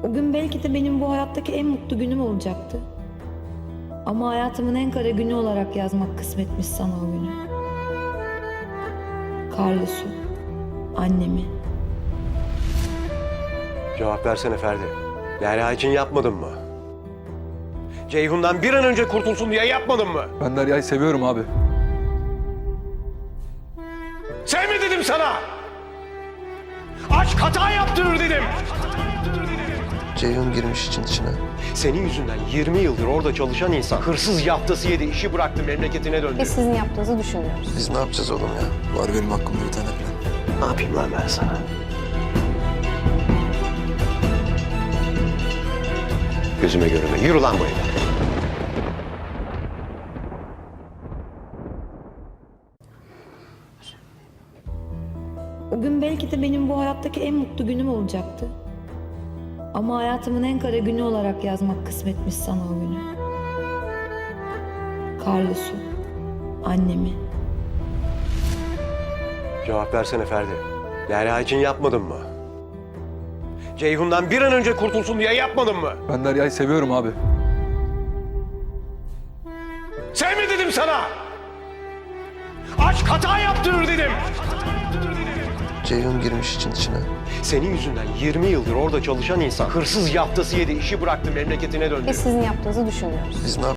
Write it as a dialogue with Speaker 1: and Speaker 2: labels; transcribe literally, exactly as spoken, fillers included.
Speaker 1: O gün belki de benim bu hayattaki en mutlu günüm olacaktı. Ama hayatımın en kara günü olarak yazmak kısmetmiş sana o günü. Carlos'u, annemi.
Speaker 2: Cevap versene Ferdi. Derya için yapmadın mı? Ceyhun'dan bir an önce kurtulsun diye yapmadın mı?
Speaker 3: Ben Derya'yı seviyorum abi.
Speaker 2: Sevme dedim sana! Aşk hata yaptırır dedim!
Speaker 4: Ceyhun girmiş için içine.
Speaker 2: Senin yüzünden yirmi yıldır orada çalışan insan hırsız yaftası yedi, işi bıraktı, memleketine döndü.
Speaker 5: Biz sizin yaptığınızı düşünmüyoruz.
Speaker 4: Biz ne yapacağız oğlum ya?
Speaker 3: Var benim hakkımda bir tane plan.
Speaker 2: Ne yapayım lan ben sana? Gözüme görünme. Yürü lan bu evden.
Speaker 1: O gün belki de benim bu hayattaki en mutlu günüm olacaktı. Ama hayatımın en kara günü olarak yazmak kısmetmiş sana o günü. Carlos'u, annemi.
Speaker 2: Cevap versene Ferdi. Derya için yapmadın mı? Ceyhun'dan bir an önce kurtulsun diye yapmadın mı?
Speaker 3: Ben Derya'yı seviyorum abi.
Speaker 2: Sevme dedim sana! Aşk hata yaptırır dedim!
Speaker 4: Ceyhun girmiş için içine.
Speaker 2: Senin yüzünden yirmi yıldır orada çalışan insan hırsız yaftası yedi, işi bıraktı, memleketine döndü.
Speaker 5: Biz sizin yaptığınızı düşünmüyoruz.
Speaker 4: Biz ne